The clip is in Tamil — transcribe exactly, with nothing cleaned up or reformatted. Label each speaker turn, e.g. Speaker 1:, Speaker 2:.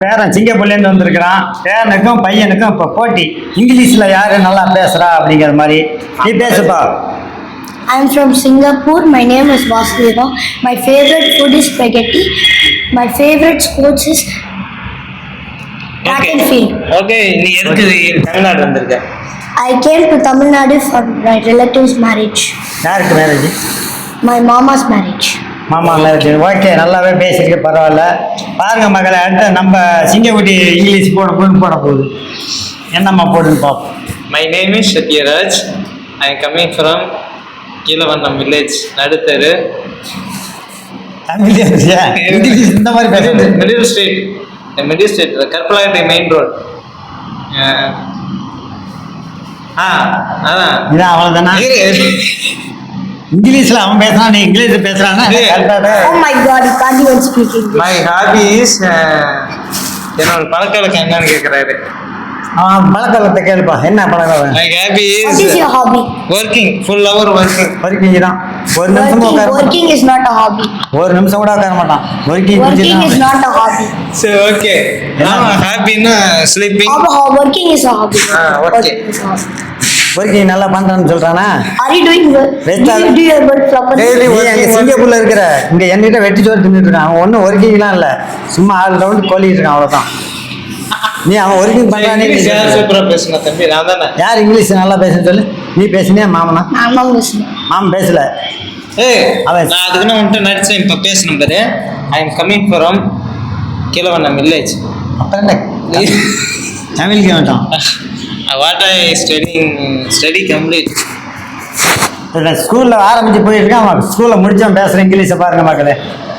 Speaker 1: பேரன் சிங்கப்பூர்லேருந்து வந்திருக்கிறான். பேரனுக்கும் பையனுக்கும் இப்போ போட்டி, இங்கிலீஷில் யார் நல்லா பேசுகிறா அப்படிங்கிற மாதிரி. நீ பேசுப்பா.
Speaker 2: I am from Singapore. My name is Vasudeva. My favorite food is spaghetti. My favorite sports is track and field.
Speaker 3: Okay, நீ எதுக்கு தமிழ்நாடு வந்திருக்க?
Speaker 2: I came to Tamil Nadu for my relative's marriage.
Speaker 1: யாருக்கு மேரேஜ்?
Speaker 2: My mama's marriage.
Speaker 1: மாமா மேரேஜ். ஓகே, நல்லாவே பேசியிருக்கு, பரவாயில்ல. பாருங்க மக்களை, அடுத்து நம்ம சிங்கக்குட்டி இங்கிலீஷ் போட போது போட போகுது. என்னம்மா போடுன்னு பார்ப்போம்.
Speaker 3: My name is Sathyaraj. I am coming from Keezhavannam village, நடுத்தரு.
Speaker 1: தமிழ் இங்கிலீஷ் இந்த மாதிரி பேசுறது.
Speaker 3: Middle street, middle street, Karpalatti main road. ஆ அதான்
Speaker 1: இதான் அவ்வளோதானா? இங்கிலீஷ்ல அவன் பேசுறான், நீ இங்கிலீஷ் பேசுறானா?
Speaker 2: Oh my God, you can't even speak English.
Speaker 3: My hobby is, என்னோட பழக்க வழக்கம் என்னன்னு கேட்குறாரு.
Speaker 1: அவன் பழக்கத்தை கேளுப்பா, என்ன பழக்கம்?
Speaker 3: My hobby
Speaker 2: What
Speaker 3: is
Speaker 2: is your hobby?
Speaker 3: Working, full hour working.
Speaker 1: Working தான். ஒரு நிமிஷம்
Speaker 2: Working,
Speaker 1: உட்கார
Speaker 2: working is not a hobby.
Speaker 1: ஒரு நிமிஷம் கூட உட்கார மாட்டான். Working
Speaker 2: Working is not a hobby.
Speaker 3: சரி, ஓகே. ஆமா, ஹாப்பின்னா sleeping.
Speaker 2: Hobby, ho- working is a hobby.
Speaker 3: Ah, okay.
Speaker 2: Working is a hobby.
Speaker 1: Working நல்லா பண்றான்னு சொல்றானா?
Speaker 2: Are you doing work? Do
Speaker 1: Rest
Speaker 2: you do your work properly?
Speaker 3: Daily
Speaker 1: நீ
Speaker 3: working,
Speaker 1: அங்க சிங்கப்பூர்ல இருக்கிற, இங்க என்கிட்ட வெட்டி சோறு தின்னுட்டு இருக்கான். அவன் ஒன்றும் ஒர்க்கிங்லாம் இல்லை, சும்மா ஆல் ரவுண்ட் கோலிட்டு இருக்கான், அவ்வளோதான். நீ அவன் ஒர்க்கிங் பண்றானே.
Speaker 3: இங்கிலீஷ் யார் சூப்பரா பேசுனா தம்பி? நான் தானே.
Speaker 1: யார் இங்கிலீஷ் நல்லா பேசுன்னு சொல்லு. நீ பேசுனியா மாமனா?
Speaker 2: I'm not listening.
Speaker 1: மாமன் பேசல.
Speaker 3: ஏய்,
Speaker 1: அவன்
Speaker 3: நான் அதுக்குன்னு வந்துட்டு நடிச்சேன். இப்போ பேசணும் பாரு. I am coming from Keezhavannam village.
Speaker 1: அப்புறம் என்ன தமிழுக்கு வேண்டாம்.
Speaker 3: What I studying study complete.
Speaker 1: ஸ்கூல்ல ஆரம்பிச்சு போயிட்டு இருக்கான். அவன் ஸ்கூல்ல முடிச்சவன் பேசுற இங்கிலீஷை பாருங்க மக்களே.